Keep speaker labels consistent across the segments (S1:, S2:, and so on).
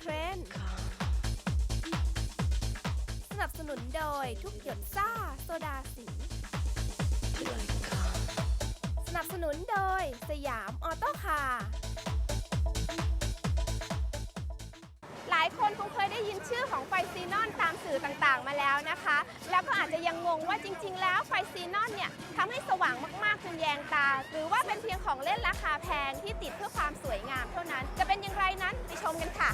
S1: เทรนด์สนับสนุนโดยทุกหยดซ่าโซดาสีสนับสนุนโดยสยามออโต้คาร์หลายคนคงเคยได้ยินชื่อของไฟซีนอนตามสื่อต่างๆมาแล้วนะคะแล้วก็อาจจะยังงงว่าจริงๆแล้วไฟซีนอนเนี่ยทำให้สว่างมากๆจนแยงตาหรือว่าเป็นเพียงของเล่นราคาแพงที่ติดเพื่อความสวยงามเท่านั้นจะเป็นอย่างไรนั้นไปชมกันค่ะ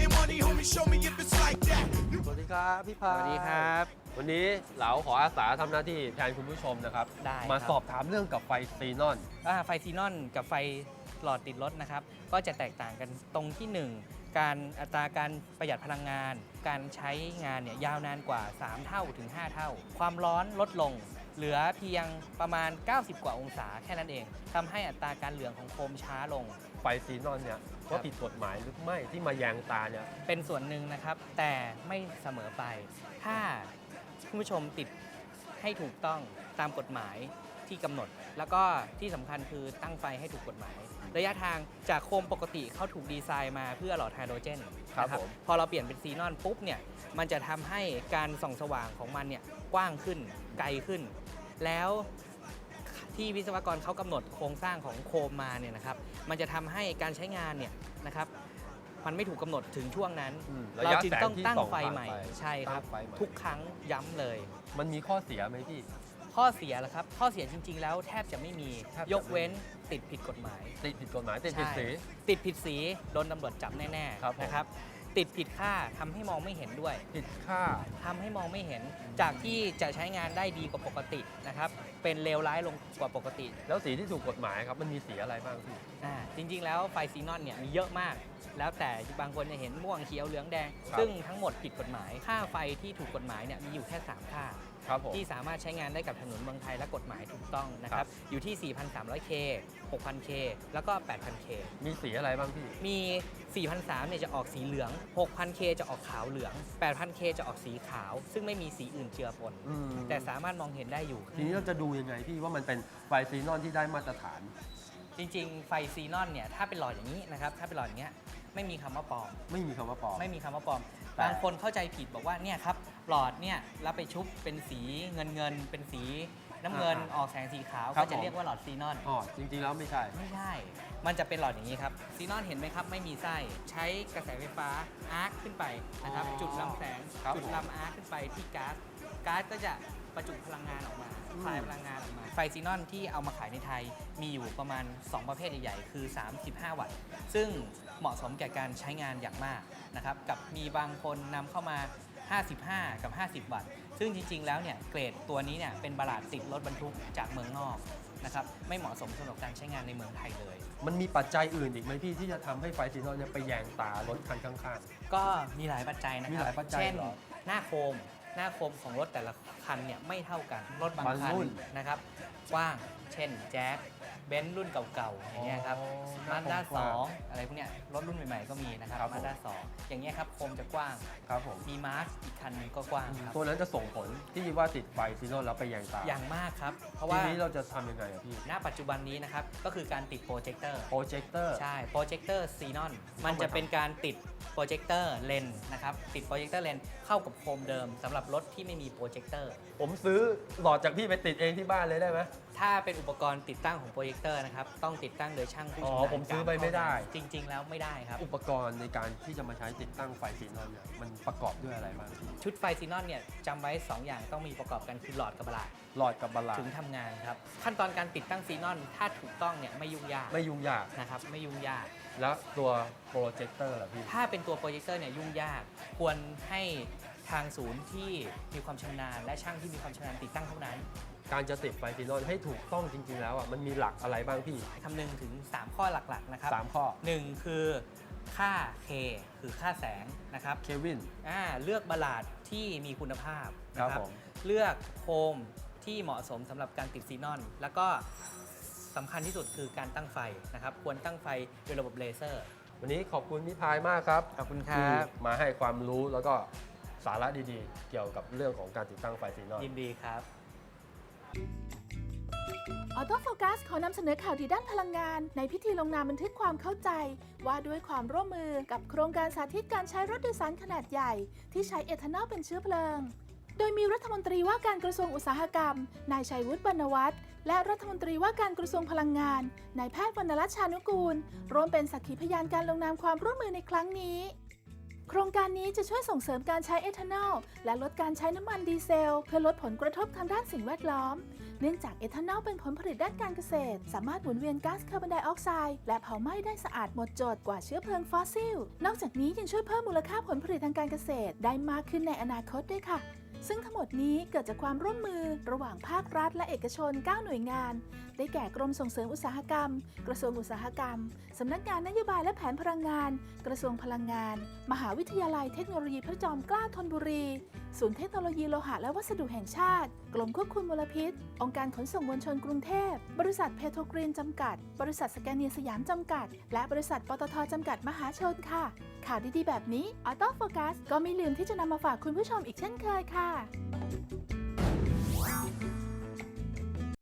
S2: สวัสดีครับพี่พา
S3: สวัสดีครับ
S2: วันนี้เหลาขออาสาทำหน้าที่แทนคุณผู้ชมนะครับ
S3: ได้ครับ
S2: มาสอบถามเรื่องกับไฟซีนอน
S3: ไฟซีนอนกับไฟหลอดติดรถนะครับก็จะแตกต่างกันตรงที่ 1 การอัตราการประหยัดพลังงาน การใช้งานเนี่ยยาวนานกว่า 3 เท่าถึง 5 เท่า ความร้อนลดลง เหลือเพียงประมาณ 90 กว่าองศาแค่นั้นเองทำให้อัตราการเหลืองของโคมช้าลง
S2: ไฟซีนอนเนี่ยว่าผิดกฎหมายหรือไม่ที่มาแยงตาเนี่ย
S3: เป็นส่วนหนึ่งนะครับ แต่ไม่เสมอไป ถ้าคุณผู้ชมติดให้ถูกต้องตามกฎหมายที่กำหนด แล้วก็ที่สำคัญคือตั้งไฟให้ถูกกฎหมาย ระยะทางจากโคมปกติเขาถูกดีไซน์มาเพื่อหลอดไฮโดรเจน
S2: ครับ
S3: นะ
S2: ผม
S3: พอเราเปลี่ยนเป็นซีนอนปุ๊บเนี่ยมันจะทำให้การส่องสว่างของมันเนี่ยกว้างขึ้นไกลขึ้น แล้วที่วิศวกรเขากำหนดโครงสร้างของโคมมาเนี่ยนะครับมันจะทำให้การใช้งานเนี่ยนะครับมันไม่ถูกกำหนดถึงช่วงนั้น
S2: ระ
S3: เรา
S2: ยะ
S3: จึง
S2: แส
S3: ต้อง
S2: ที่
S3: ตั้ง
S2: ส่อ
S3: ไฟ
S2: ผ่าน
S3: ใหม่ใช่ครับ
S2: ตั้งไฟใหม่
S3: ทุกครั้งย้ำเลย
S2: มันมีข้อเสียไหมพี่
S3: ข้อเสียเหรอครับข้อเสียจริง ๆ แล้วแทบจะไม่มี
S2: แทบจะ
S3: ยกเว้นติดผิดกฎหมาย
S2: ติดผิดกฎหมายติดผิด
S3: ใช่
S2: สี
S3: ติดผิดสีโดนตำรวจจับแน่
S2: ครับผม
S3: ๆนะครับติดผิดค่าทำให้มองไม่เห็นด้วย
S2: ผิดค่า
S3: ทำให้มองไม่เห็นจากที่จะใช้งานได้ดีกว่าปกตินะครับเป็นเลวร้ายลงกว่าปกติ
S2: แล้วสีที่ถูกกฎหมายครับมันมีสีอะไรบ้างพี่
S3: จริงๆ แล้วไฟซีนอนเนี่ยมีเยอะมาก แล้วแต่บางคนจะเห็นม่วงเขียวเหลืองแดง
S2: ครับ ซึ่
S3: ซึ่งทั้งหมดผิดกฎหมาย ค่าไฟที่ถูกกฎหมายเนี่ยมีอยู่แค่ 3 ค่า
S2: ครับผม
S3: ที่สามารถใช้งานได้กับถนนเมืองไทยและกฎหมายถูกต้องนะค
S2: ครั
S3: รับ บอยู่ที่ 4,300K 6,000K แล้วก็ 8,000K
S2: มีสีอะไรบ้างพี่
S3: มี 4,300เนี่ยจะออกสีเหลือง 6,000K จะออกขาวเหลือง 8,000K จะออกสีขาว ซึ่งไม่มีสีอื่นเจือปน แต่สามารถมองเห็นได้อยู่
S2: ทีนี้เราจะดูยังไงพี่ว่ามันเป็นไฟซีนอนที่ได้มาตรฐาน
S3: จริงๆ ไฟซีนอนเนี่ยถ้าเป็นหลอดอย่างนี้นะครับถ้าเป็นหลอดอย่างเงี้ยไม่มีคำว่าปลอม
S2: ไม่มีคำว่าปลอม
S3: ไม่มีคำว่าปลอม
S2: แต่
S3: บางคนเข้าใจผิดบอกว่าเนี่ยครับหลอดเนี่ยแล้วไปชุบเป็นสีเงินเป็นสีน้ำเงินออกแสงสีขาว
S2: ครับ
S3: ก็จะเรียกว่าหลอดซีนอน
S2: อ๋อจริงๆแล้วไม่ใช่
S3: ไม่ใช่ มันจะเป็นหลอดอย่างนี้ครับซีนอนเห็นไหมครับไม่มีไส้ใช้กระแสไฟฟ้าอาร์คขึ้นไปนะครับ
S2: อ๋อ
S3: จุดลำแสง
S2: ครับ
S3: จุดลำอาร์คขึ้นไปที่ก๊าซก๊าซก็จะประจุพลังงานออกมาคลายพลังงานออกมาไฟซีนอนที่เอามาขายในไทยมีอยู่ประมาณ 2 ประเภทใหญ่ๆคือ 35 วัตต์ซึ่งเหมาะสมแก่การใช้งานอย่างมากนะครับกับมีบางคนนำเข้ามา 55 กับ 50 วัตต์ซึ่งจริงๆแล้วเนี่ยเกรดตัวนี้เนี่ยเป็นบลาดติดรถบรรทุกจากเมืองนอกนะครับไม่เหมาะสมสำหรับการใช้งานในเมืองไทยเลย
S2: มันมีปัจจัยอื่นอีกไหมพี่ที่จะทำให้ไฟซีนอนเนี่ยไปแยงตารถคันข้าง
S3: ก็มีหลายปัจจัยนะค
S2: มี
S3: รับ
S2: หลายปัจจัย
S3: เช่น
S2: เหรอ
S3: หน้าโคมของรถแต่ละคันเนี่ยไม่เท่ากัน รถบาง
S2: บาง
S3: คัน
S2: รุ่น
S3: นะครับกว้าง เช่นแจ๊สเบนซ์รุ่นเก่าๆ อย่างเงี้ยครับ
S2: อ๋อ
S3: มาด้า
S2: หน้าโคมกว้าง
S3: 2อะไรพวกเนี้ยรถรุ่นใหม่ๆก็มีนะครับ
S2: ครับผม
S3: มาด้า2อย่างเงี้ยครับโคมจะกว้าง
S2: ๆครับผม
S3: มีมาร์ชอีกคันหนึงก็กว้างครับ
S2: ตัวนั้นจะส่งผลที่ว่าติดไฟซีนอนแล้วไปแยงตา
S3: อย่างมากครับ เพราะ
S2: ที
S3: ว่า
S2: นี้เราจะทำยังไงอะพี่
S3: ณปัจจุบันนี้นะครับก็คือการติดโปรเจคเตอร์
S2: โปรเจคเตอร์
S3: ใช่ โปรเจคเตอร์ซีนอน มันจะเป็นการติดโปรเจคเตอร์เลนส์นะครับ ติดโปรเจคเตอร์เลนส์เข้ากับโคมเดิมสำหรับรถที่ไม่มีโปรเจคเตอร์
S2: ผมซื้อหลอดจากพี่ไปติดเองที่บ้านเลยได้ไหม
S3: ถ้าเป็นอุปกรณ์ติดตั้งของโปรเจคเตอร์นะครับ ต้องติดตั้งโดยช่างผู้
S2: อ๋
S3: ชำ
S2: อ
S3: นาญ
S2: ผมซื้อ
S3: การ
S2: ไปไม่ได้
S3: จริง ๆ แล้วไม่ได้ครับ
S2: อุปกรณ์ในการที่จะมาใช้ติดตั้งไฟซีนอนเนี่ยมันประกอบด้วยอะไรบ้างพี่
S3: ชุดไฟซีนอนเนี่ยจำไว้ 2 อย่างต้องมีประกอบกันคือหลอดกับบลาด
S2: หลอดกับบาลา
S3: ถึงทำงานครับ ขั้นตอนการติดตั้งซีนอนถ้าถูกต้องเนี่ยไม่ยุ่งยาก
S2: ไม่ยุ่งยาก
S3: นะครับไม่ยุ่งยาก
S2: แล้วตัวโปรเจคเตอร์ล่ะพี่
S3: ถ้าเป็นตัวโปรเจคเตอร์เนี่ยยุ่งยาก ควรให้ทางศูนย์ที่มีความชำนาญและช่างที่มีความชำนาญติดตั้งเท่านั้น
S2: การจะติดไฟซีนอนให้ถูกต้องจริง ๆ แล้วอ่ะมันมีหลักอะไรบ้างพี่
S3: คำนึงถึง 3 ข้อหลักๆนะครับ
S2: 3 ข้อ
S3: 1 คือค่า K คือค่าแสงนะครับ
S2: เควิน
S3: เลือกบลาดที่มีคุณภาพนะค
S2: ครั
S3: รั
S2: บบ ผม
S3: เลือกโคมที่เหมาะสมสำหรับการติดซีนอน แล้วก็สำคัญที่สุดคือการตั้งไฟนะครับควรตั้งไฟโดยระบบเลเซอร์
S2: วันนี้ขอบคุณพี่พายมากครับ
S3: ขอบคุณค
S2: ที่
S3: รับ
S2: มาให้ความรู้แล้วก็สาระดีๆ เกี่ยวกับเรื่องของการติดตั้งไฟซีนอน
S3: ยินดีครับ
S4: ออโต้โฟกัสขอนำเสนอข่าวดีด้านพลังงานในพิธีลงนามบันทึกความเข้าใจว่าด้วยความร่วมมือกับโครงการสาธิตการใช้รถโดยสารขนาดใหญ่ที่ใช้เอทานอลเป็นเชื้อเพลิงโดยมีรัฐมนตรีว่าการกระทรวงอุตสาหกรรมนายชัยวุฒิบรรณวัฒน์และรัฐมนตรีว่าการกระทรวงพลังงานนายแพทย์วรรณรัตน์ชานุกูลร่วมเป็นสักขีพยานการลงนามความร่วมมือในครั้งนี้โครงการนี้จะช่วยส่งเสริมการใช้เอทานอลและลดการใช้น้ำมันดีเซลเพื่อลดผลกระทบทางด้านสิ่งแวดล้อมเนื่องจากเอทานอลเป็นผลผลิตด้านการเกษตรสามารถหมุนเวียนก๊าซคาร์บอนไดออกไซด์และเผาไหม้ได้สะอาดหมดจดกว่าเชื้อเพลิงฟอสซิลนอกจากนี้ยังช่วยเพิ่มมูลค่าผลผลิตทางการเกษตรได้มากขึ้นในอนาคตด้วยค่ะซึ่งทั้งหมดนี้เกิดจากความร่วมมือระหว่างภาครัฐและเอกชน 9 หน่วยงานได้แก่กรมส่งเสริมอุตสาหกรรมกระทรวงอุตสาหกรรมสำนักงานนโยบายและแผนพลังงานกระทรวงพลังงานมหาวิทยาลัยเทคโนโลยีพระจอมเกล้าธนบุรีศูนย์เทคโนโลยีโลหะและวัสดุแห่งชาติกรมควบคุมมลพิษองค์การขนส่งมวลชนกรุงเทพบริษัทเพโทรกรีนจำกัดบริษัทสแกนเนียสยามจำกัดและบริษัทปตทจำกัดมหาชนค่ะข่าวดีๆแบบนี้ออโต้โฟกัสก็ไม่ลืมที่จะนำมาฝากคุณผู้ชมอีกเช่นเคยค่ะ